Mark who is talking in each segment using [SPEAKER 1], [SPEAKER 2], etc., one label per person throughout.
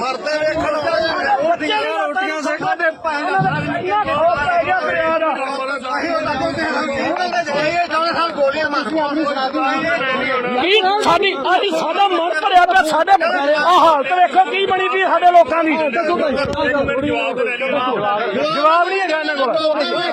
[SPEAKER 1] ਸਾਡਾ ਮਨ ਭਰਿਆ ਪਿਆ ਸਾਡੇ ਹਾਲਤ ਵੇਖੋ ਕੀ ਬਣੀ ਪਈ ਸਾਡੇ ਲੋਕਾਂ ਦੀ। ਜਵਾਬ ਨਹੀਂ ਹੈਗਾ ਇਹਨਾਂ ਕੋਲ।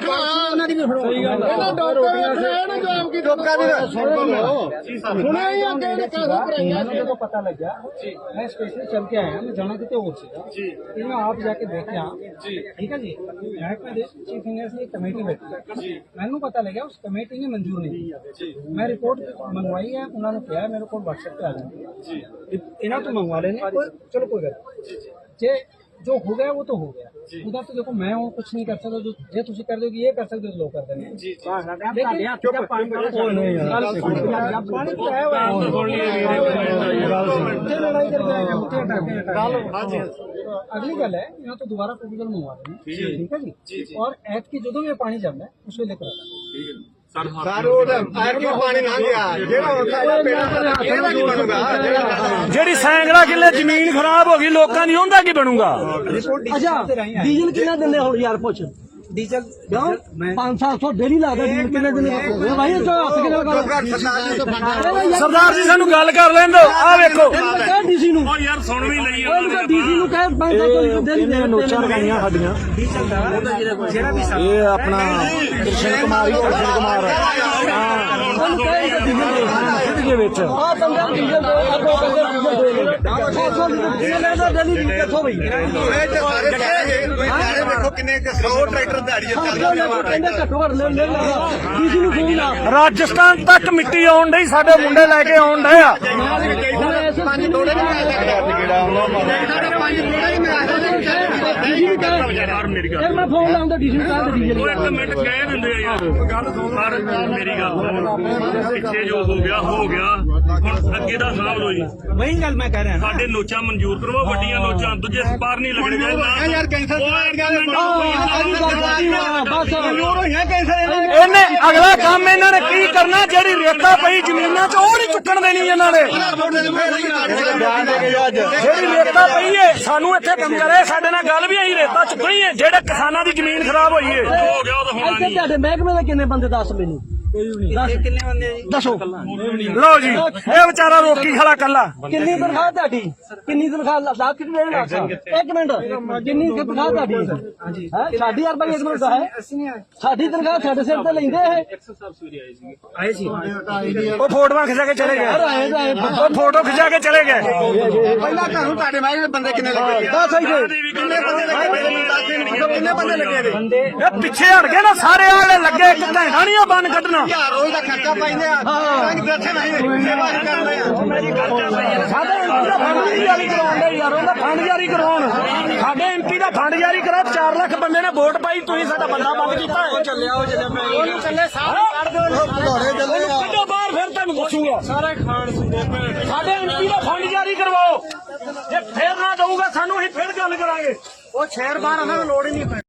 [SPEAKER 2] को पता लग गया मैं स्पेशली चल के आया, मैं जाना कितने और से आप जाके देखे ठीक है जी। चीफ इंजीनियर ने कमेटी बैठी, मैनू पता लगा उस कमेटी ने मंजूर नहीं किया। मैं रिपोर्ट मंगवाई है, उन्होंने कहा मेरे को व्हाट्सएप पे आ जाए इन्हों तो मंगवा लेने, चलो कोई गल जे जो हो गया वो तो हो गया। उधर तो देखो मैं कुछ नहीं कर सकता, जो तुम कर दोगे ये कर सकते हो, लोग कर देंगे। अगली गल है यहाँ तो दोबारा प्रपोजल मंगवा देंगे, ठीक है जी। और ऐत की जो भी पानी जमना है उसको लेकर
[SPEAKER 1] ਜਿਹੜੀ ਸੈਂਕੜਾ ਕਿੱਲੇ ਜ਼ਮੀਨ ਖਰਾਬ ਹੋ ਗਈ ਲੋਕਾਂ ਦੀ, ਉਹਦਾ ਕੀ ਬਣੂਗਾ?
[SPEAKER 2] ਅੱਛਾ ਡੀਜ਼ਲ ਕਿੰਨਾ ਦਿੰਦੇ ਹੁਣ ਯਾਰ ਪੁੱਛ? ਡੀਜ਼ਲ 500-700 ਡੇਲੀ ਲੱਗਦਾ ਡੀਜ਼ਲ ਕਿੰਨੇ ਦਿੰਦੇ ਭਾਈ? ਹੱਥ
[SPEAKER 1] ਸਰਦਾਰ ਜੀ ਸਾਨੂੰ ਗੱਲ ਕਰ ਲੈਣ ਦਿਓ। ਆ ਵੇਖੋ
[SPEAKER 2] ਡੀਸੀ ਨੂੰ
[SPEAKER 3] ਯਾਰ ਸੁਣ ਵੀ ਲਈ
[SPEAKER 2] ਡੀਸੀ ਨੂੰ ਕਹੇ 500 ਡੇਲੀ ਦੇ
[SPEAKER 1] ਨੋਚਾਂ ਲਗਾਈਆਂ ਸਾਡੀਆਂ। ਇਹ ਆਪਣਾ ਕ੍ਰਿਸ਼ਨ ਕੁਮਾਰ ਹੀ ਕ੍ਰਿਸ਼ਨ ਕੁਮਾਰ ਦੇ ਵਿੱਚ
[SPEAKER 2] ਆ ਬੰਦਾ ਡੀਜ਼ਲ ਡੇਲੀ ਕਿੱਥੋਂ ਬਈ?
[SPEAKER 3] ਕਿੰਨੇ 100 ਟਰੈਕਟਰ
[SPEAKER 1] ਰਾਜਸਥਾਨ ਤੱਕ ਮਿੱਟੀ ਆਉਣ ਡਈ, ਸਾਡੇ ਮੁੰਡੇ ਲੈ ਕੇ ਆਉਣ ਡਏ ਆ।
[SPEAKER 2] ਮੈਂ ਫੋਨ ਲਾਉਂਦਾ ਡੀਜ਼ਲ ਕਾਹ ਡੀਜ਼ਲ
[SPEAKER 3] ਇੱਕ ਮਿੰਟ ਕਹਿ ਦਿੰਦੇ ਆ ਯਾਰ ਗੱਲ ਮੇਰੀ ਗੱਲ ਪਿੱਛੇ ਜੋ ਹੋ ਗਿਆ ਹੁਣ ਅੱਗੇ ਦਾ ਹਿਸਾਬ ਲੋ ਜੀ।
[SPEAKER 2] ਵਹੀ ਗੱਲ ਮੈਂ ਕਹਿ ਰਿਹਾ
[SPEAKER 3] ਸਾਡੇ ਨੋਚਾਂ ਮਨਜ਼ੂਰ ਕਰਵਾਓ, ਵੱਡੀਆਂ ਨੋਚਾਂ, ਦੂਜੇ ਸਪਾਰ ਨਹੀਂ ਲੱਗਣੇ ਯਾਰ। ਕੈਂਸਰ
[SPEAKER 1] ਇਹਨੇ ਅਗਲਾ ਕੰਮ ਇਹਨਾਂ ਨੇ ਕੀ ਕਰਨਾ? ਜਿਹੜੀ ਰੇਤਾ ਪਈ ਜ਼ਮੀਨਾਂ 'ਚ ਉਹ ਨਹੀਂ ਚੁੱਕਣ ਦੇਣੀ ਇਹਨਾਂ ਨੇ। ਜਿਹੜੀ ਰੇਤਾ ਪਈ ਏ ਸਾਨੂੰ ਇੱਥੇ ਕੰਮ ਕਰੇ, ਸਾਡੇ ਨਾਲ ਗੱਲ ਵੀ ਆਈ ਰੇਤਾ ਚੁੱਕਣੀ ਏ। ਜਿਹੜੇ ਕਿਸਾਨਾਂ ਦੀ ਜ਼ਮੀਨ ਖਰਾਬ ਹੋਈ ਏ
[SPEAKER 3] ਹੋ ਗਿਆ ਉਹ ਤਾਂ ਹੋਣਾ ਨਹੀਂ।
[SPEAKER 2] ਤੁਹਾਡੇ ਮਹਿਕਮੇ ਦੇ ਕਿੰਨੇ ਬੰਦੇ ਦੱਸ ਮੈਨੂੰ? ਕਿੰਨੇ ਬੰਦੇ ਦੱਸੋ।
[SPEAKER 1] ਲਓ ਜੀ ਇਹ ਵਿਚਾਰਾ ਰੋਕੀ ਖੜਾ ਕੱਲਾ।
[SPEAKER 2] ਕਿੰਨੀ ਤਨਖਾਹ ਤੁਹਾਡੀ? ਕਿੰਨੀ ਤਨਖਾਹ? ਲੱਖ ਕਿੰਨੇ ਲੱਖ? ਇੱਕ ਮਿੰਟ ਕਿੰਨੀ ਤਨਖਾਹ ਤੁਹਾਡੀ? ਹੈ ਸਾਡੀ ਯਾਰ ਭਾਈ ਇੱਕ ਮਿੰਟ ਹੈ ਸਾਡੀ ਤਨਖਾਹ ਸਾਡੇ ਸਿਰ ਤੇ ਲੈਂਦੇ ਇਹ ਆਏ ਸੀ।
[SPEAKER 1] ਉਹ ਫੋਟੋਆਂ ਖਿਚਾ ਕੇ ਚਲੇ ਗਏ, ਉਹ ਫੋਟੋ ਖਿਚਾ ਕੇ ਚਲੇ ਗਏ।
[SPEAKER 4] ਪਹਿਲਾਂ ਤੁਹਾਨੂੰ ਤੁਹਾਡੇ ਮਾਇਨੇ ਬੰਦੇ ਕਿੰਨੇ ਲੱਗੇ?
[SPEAKER 2] ਦੱਸ ਆਈ
[SPEAKER 4] ਕਿੰਨੇ ਬੰਦੇ ਲੱਗੇ ਨੇ?
[SPEAKER 1] ਇਹ ਪਿੱਛੇ ਹਟ ਗਏ ਨਾ ਸਾਰੇ ਆਲੇ ਲੱਗੇ, ਇੱਕ ਘੰਟਾ ਨਹੀਂ ਬੰਨ ਕੱਢਣਾ।
[SPEAKER 4] ਰੋਜ਼ ਦਾ ਖਰਚਾ ਪਾਈਦੇ ਆ ਬੈਠੇ ਨਹੀਂ ਸੇਵਾ ਕਰਦੇ ਆ।
[SPEAKER 1] ਸਾਡੇ ਐਮਪੀ ਦਾ ਫੰਡ ਜਾਰੀ ਕਰਾਉਣ ਯਾਰ, ਉਹਦਾ ਫੰਡ ਜਾਰੀ ਕਰਾਉਣ। ਸਾਡੇ ਐਮਪੀ ਦਾ ਫੰਡ ਜਾਰੀ ਕਰਾ। 4 ਲੱਖ ਬੰਦੇ ਨੇ ਵੋਟ ਪਾਈ, ਤੁਸੀਂ ਸਾਡਾ ਬੰਦਾ ਬੰਦ ਕੀਤਾ।
[SPEAKER 4] ਉਹ ਚੱਲੇ ਸਾਹ ਕੱਢ ਦਿਓ
[SPEAKER 1] ਕੱਢੋ ਬਾਹਰ, ਫਿਰ ਤੁਹਾਨੂੰ ਦੱਸੂਗਾ।
[SPEAKER 4] ਸਾਰੇ ਖਾਣ ਸੁਣਦੇ ਭੈਣ।
[SPEAKER 1] ਸਾਡੇ ਐਮਪੀ ਦਾ ਫੰਡ ਜਾਰੀ ਕਰਵਾਓ। ਜੇ ਫੇਰ ਨਾ ਦਊਗਾ ਸਾਨੂੰ ਅਸੀਂ ਫਿਰ ਗੱਲ ਕਰਾਂਗੇ।
[SPEAKER 4] ਉਹ ਸ਼ਹਿਰ ਬਾਹਰ ਉਹਨਾਂ ਨੂੰ ਲੋੜ ਹੀ ਨਹੀਂ।